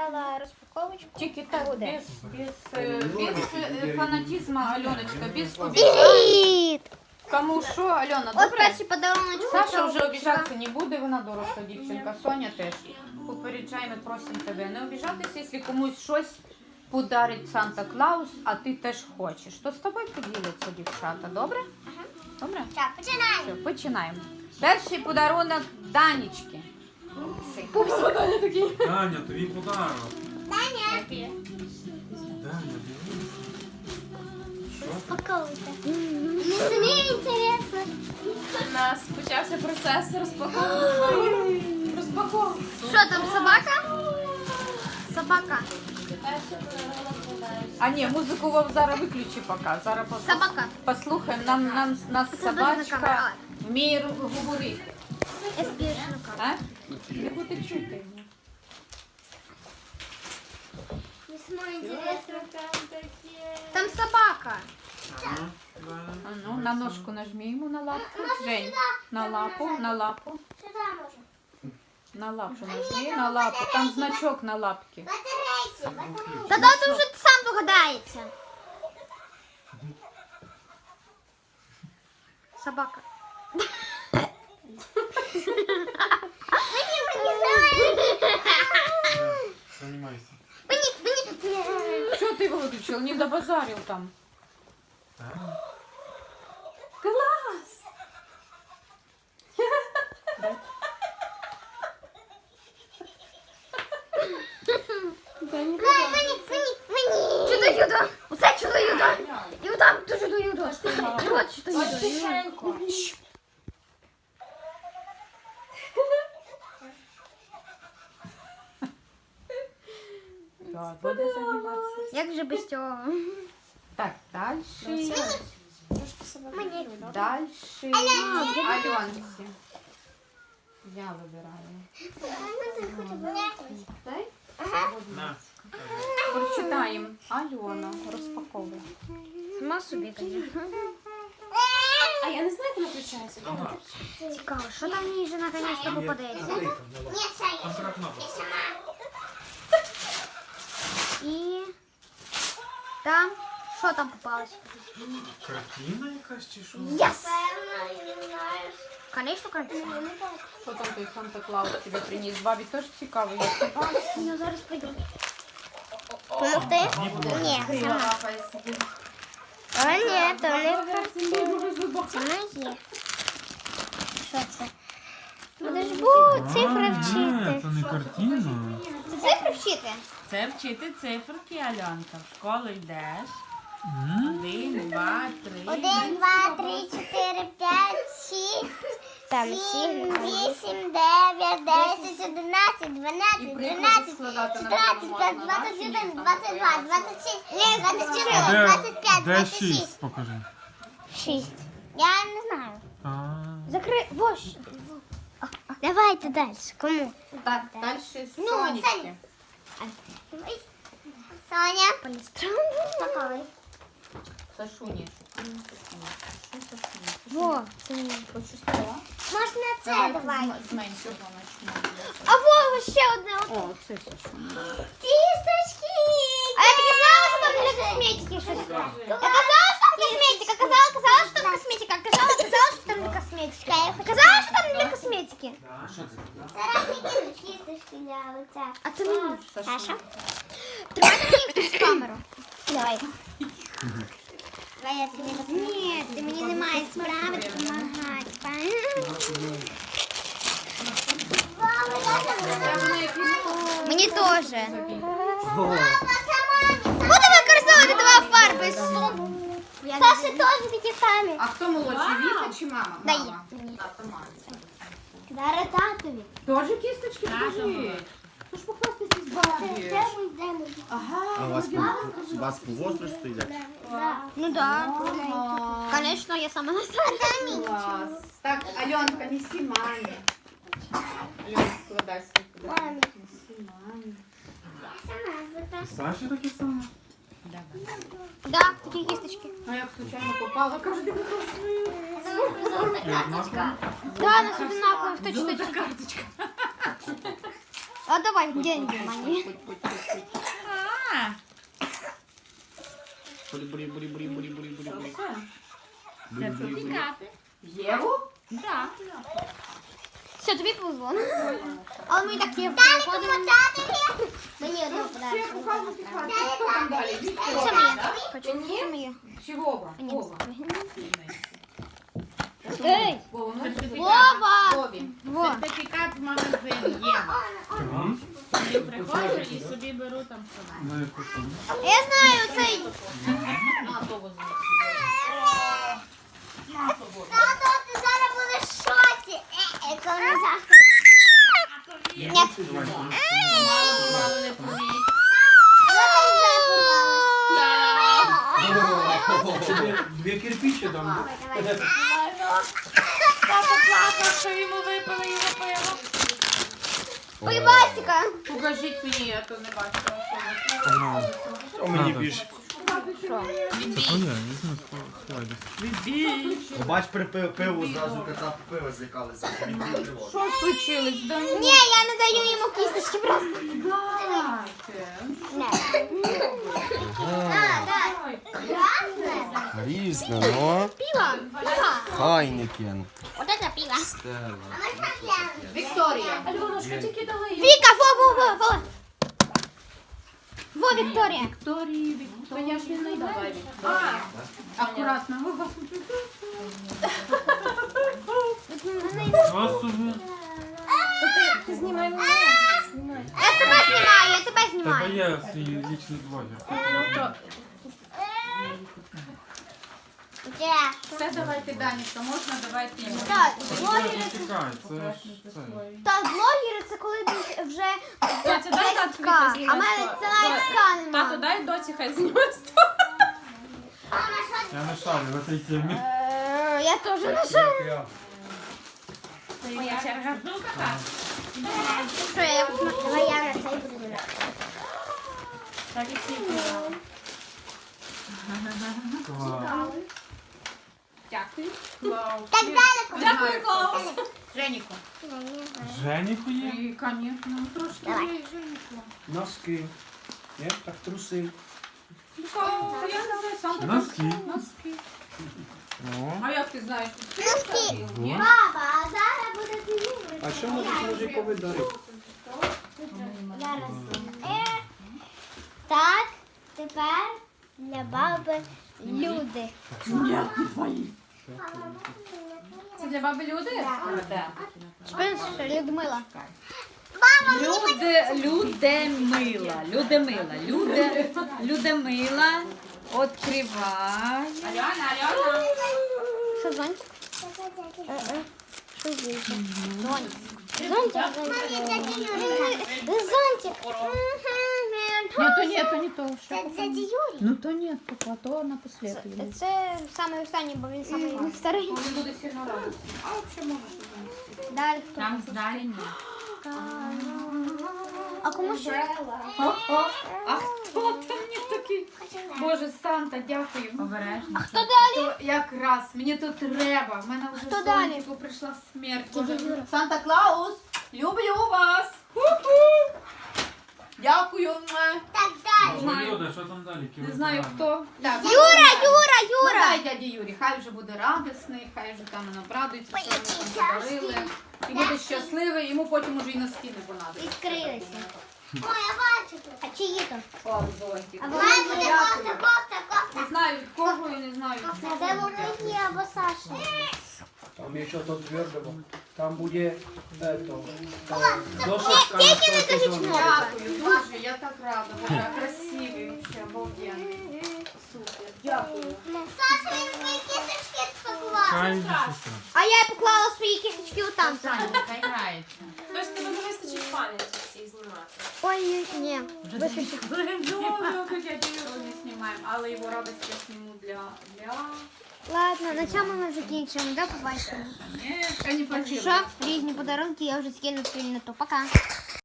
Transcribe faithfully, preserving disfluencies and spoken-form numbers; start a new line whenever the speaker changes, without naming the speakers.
взяла розпаковочку.
Тільки так, без, без, э, без э, фанатизма, Альоночка, без кубика.
Привіт!
Кому що, Альона,
От
добре?
перший подарунок.
Саша вже обіжатися не буде, вона доросла дівчинка, Соня теж. Попереджаємо, просимо тебе не обіжатися, якщо комусь щось подарить Санта-Клаус, а ти теж хочеш. То з тобою поділяться дівчата, добре?
Ага.
Добре?
Так, починаємо.
Все, починаємо. Перший подарунок Данічки.
Даня, тобі подарок.
Даня.
Даня, дивись. Що?
Розпаковуйте. Мені самі інтересно.
У нас почався процес розпаковки. Розпаковки.
Що там, собака? Собака.
А ні, музику вам зараз виключи поки. Зараз пос-
Собака.
послухаємо. Нам, нам, нас
Це дуже камера.
собачка вміє ру- говорити.
Я спішно.
А? Не буде чути.
Там собака.
Ага, Даня.
А ну, на ножку нажмімо на лапку. Жень, на лапу, на лапу. На лапу нажми, на лапу. Там значок на лапці.
Та да, ти вже сам догадається. Собака.
Займайся.
Що ти виключив? Не добазарив там.
Даня.
Клас!
Чудо юдо. Оце чудо юдо. І отам то чудо юдо. І от чудо юдо.
Так, буде займатися.
Як же без цього?
Так, далі.
Мені.
Далі. Альонці. Я вибираю.
На.
Прочитаємо. Альона, розпаковує.
Сама собі, звісно.
А я не знаю, як вона включається.
Ага.
Цікаво, що там мені вже наконець-то попадеться?
Там така кнопка.
І там, що там попалось?
Картина якась чи що?
Єс! Конечно, картина.
Що там той Санта-Клаус тебе приніс? Бабі теж цікаво, як ти бачиш.
Я зараз пойду. Помогти? Ні, сама. А ні, то не картина. Вона є. Що це? Буде ж бу, цифри
А,
вчити.
це не картина.
Це цифри вчити?
Це вчити циферки, Альонка. В школу йдеш.
М?
Один, два, три.
Один, два, три, чотири, п'ять, шість, сім, вісім, дев'ять, десять, одинадцять, дванадцять, тринадцять, чотирнадцять, п'ять, двадцять один, двадцять два, двадцять шість, двадцять чотири,
А де,
двадцять п'ять,
де
двадцять
шість?
шість.
Покажи.
Шість. Я не знаю.
А,
Закрий. Вось. Давайте далі. Кому?
Так, далі
Ну,
Сонечки.
Соня. Полістра. Такой.
Сашуні.
Во, це мені.
Хочу стола.
Можна це
Давай
давай.
з- з меншого почнемо.
А во, ще одне.
О, це Сашуні.
Кісточки! А я таки знала, що там для косметики щось. Я казала, що там косметика. Казала, казала, що там косметика. Казала, казала, що там для косметики. Казала, що там для косметики. А це мені. Саша. Тримайте мені хтось камеру. Давай. Давай я тобі допоможу. Ні, ти мені не маєш справи допомагати. Мені теж. Буду використовувати два фарби. Саша теж такі самі.
А хто молодший, Віка чи мама?
Дай
Мама.
мені.
А, то мама.
Даре татові.
Тоже кісточки? Покажи. Ну ж похвастайся з бабі. Ага.
А у вас по, у вас по возрасту йде?
Ну да.
Ага.
Конечно, я сама на
Клас. Так, Альонка, неси мамі. Альонка, складай свій подарунок. Неси мамі.
і Саші таке саме?
Да, такі кісточки.
А як случайно попала, кажу, ти красивий.
І однаково?
Да, нас одинаково в точно.
Карточка.
А давай деньги мои.
А,
Бурі, бурі, бурі, бурі, бурі, бурі, бурі, бурі.
сертифікати.
Єву?
Да.
Все, тобі повезло. Але ми так є виходимо. Мені одного подарунок.
Хто там далі?
Це
Вікторія,
моє.
да?
Хочу, це моє.
Чи Вова?
Ні.
Вова.
Ей!
Вова, ну це
Вова!
Вові.
Во.
Сертифікат в магазин Єва.
Тобі?
Я приходжу і собі беру там що.
На яку суму?
Я знаю цей.
На, то возьми.
Тато, ти зараз будеш в шоці. Е, економізація. Ні.
Давай,
Мало, мало не поміть.
Тобі дві кирпичі дам.
Папа плакав, що йому випили його пиво.
Ой, Васіка.
Покажіть мені, я то не бачила.
О, мені більше.
Це твоє, візьми сховай десь.
Бач, при пи- пиву зразу кота пиво злякалися.
Що случилось? Да ні.
Ні, я не даю йому кісточки просто.
Дайте.
Да, да. Красне.
Різне, ну.
Пиво. Пиво.
Хайникен.
Вот это пиво.
Стелла.
Вікторія.
Альонушка, тільки дали.
Віка, во, во, во, во. Во, Вікторія.
Вікторії, Вікторія. Я ж не знайду. Давай, Вікторія. Акуратно. Вова.
Що собі?
Ти знімай мене. Знімай.
Я тебе знімаю, я тебе
Тебе
знімаю.
є свій лічний блогер.
Де?
Все, давайте, Данечка, можна, давайте йому.
Так,
Це
блогери.
чекай, це ж це.
Так, блогери це коли ти вже
Доця, дай тату
Ка.
хай
А
зніме
в мене
сто.
це навіть ка
Тато,
нема.
дай доці хай зніме сто.
Я не шарю в цій темі.
Е, Я теж не шарю.
Моя черга.
Що я давай я на цей буду.
Так і всі казали.
Клас.
Дякую.
Так далеко.
Дякую, Клаус.
Женіку.
Женіку є?
І, звісно, трошки
Давай.
є Женіку.
Носки. Ні? Так труси.
Ну, я не знаю, сам так.
Носки.
Носки.
О.
А як ти знаєш?
Носки.
Ні?
Баба, а зараз буде зимою.
А що можуть мужикові дарити?
Зараз. Е. Так, тепер для баби люди.
Це для баби люди? Так.
Шпинш, Людмила.
Люди, Людмила, Людмила, Люди, Людмила, відкривай.
Альона, Альона.
Що, зонтик? Е-е. Що зонтик? Зонтик. Зонтик, зонтик. Зонтик.
Ні, то ні, то не то.
Це дядя Юрій.
Ну то ні, то, то напоследку.
Це, це саме останній, бо він самий старий.
Він буде сильно радий. А взагалі можеш занести.
Далі хто?
Там здарені.
А кому ще?
А хто там мені такий? Боже, Санта, дякую.
Обережно.
Хто далі?
То якраз, мені то треба. В мене вже
Хто далі?
сонечку прийшла смерть.
Дядя
Боже.
Юра.
Санта Клаус, люблю вас. Ху-ху. Дякую. Муа.
Так, далі.
Боже, Люда, що там далі?
Не знаю хто. Так,
Юра, Юра,
Ну
Юра.
дай дяді Юрі, хай вже буде радісний, хай вже там обрадується, що ми там подарили. І буде щасливий, йому потім уже і носки не понадобиться.
Відкрилися. Ой, я бачу тут. А чиї то?
О, зонтик.
А вона буде кофта, кофта, кофта.
Не знаю від кого і не знаю від
А
кого.
де вони є, або Саша?
Там є щось твердого. Там буде ето, там досочка на стойку зону.
Дякую, дуже, я так рада. Боже, красивий, вообще, обалденний. Супер, дякую.
Саша, він свої кісточки спакував.
Хай йди сестра.
А я поклала свої кісточки отам.
Саня, хай грається.
Тобто тебе не вистачить пам'яті всіх знімати.
Ой, ні.
Ну, как я Юру не знімаємо, але його радість я зніму для... для...
Ладно, на цьому ми закінчимо. До побачення.
Ні, я не
Якщо
почула.
що, різні подарунки я вже скину в спільноту. Пока.